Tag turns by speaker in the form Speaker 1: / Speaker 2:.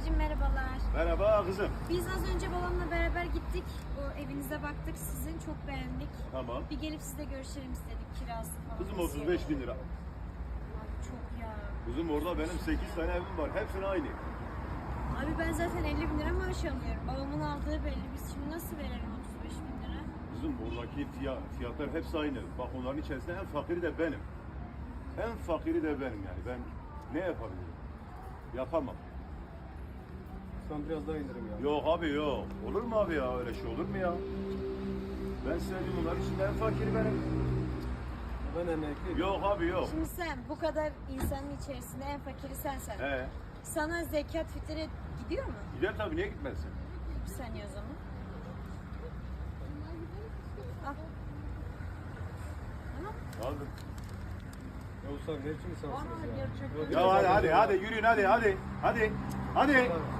Speaker 1: Babacığım merhabalar.
Speaker 2: Merhaba kızım.
Speaker 1: Biz az önce babamla beraber gittik. O evinize baktık sizin. Çok beğendik.
Speaker 2: Tamam.
Speaker 1: Bir gelip sizle görüşelim istedik kirası falan.
Speaker 2: Kızım
Speaker 1: nasıl
Speaker 2: 35 bin
Speaker 1: olur?
Speaker 2: lira.
Speaker 1: Abi çok ya.
Speaker 2: Kızım orada benim 8 tane evim var. Hepsine aynı.
Speaker 1: Abi ben zaten 50 bin lira maaş alıyorum. Babamın aldığı belli. Biz şimdi nasıl verelim 35 bin lira?
Speaker 2: Kızım oradaki fiyatlar hepsi aynı. Bak onların içerisinde en fakiri de benim. En fakiri de benim yani. Ben ne yapabilirim? Yapamam.
Speaker 3: Sen biraz daha indirim ya.
Speaker 2: Yok abi yok. Olur mu abi ya? Öyle şey olur mu ya? Ben söyleyeyim onların içinde en fakiri benim.
Speaker 3: Ben emekliyim.
Speaker 2: Yok abi yok.
Speaker 1: Şimdi sen bu kadar insanın içerisinde en fakiri sensen.
Speaker 2: He.
Speaker 1: Sana zekat fitre gidiyor mu?
Speaker 2: Gider tabii, niye gitmezsin?
Speaker 1: Bir saniye o zaman. Al. Tamam.
Speaker 2: Aldım.
Speaker 3: Ya Usta ne için insansınız
Speaker 1: Aa,
Speaker 3: ya?
Speaker 1: gerçekten.
Speaker 3: Yok,
Speaker 2: Ya hadi yürüyün hadi. Hadi. Hadi.
Speaker 3: Tamam.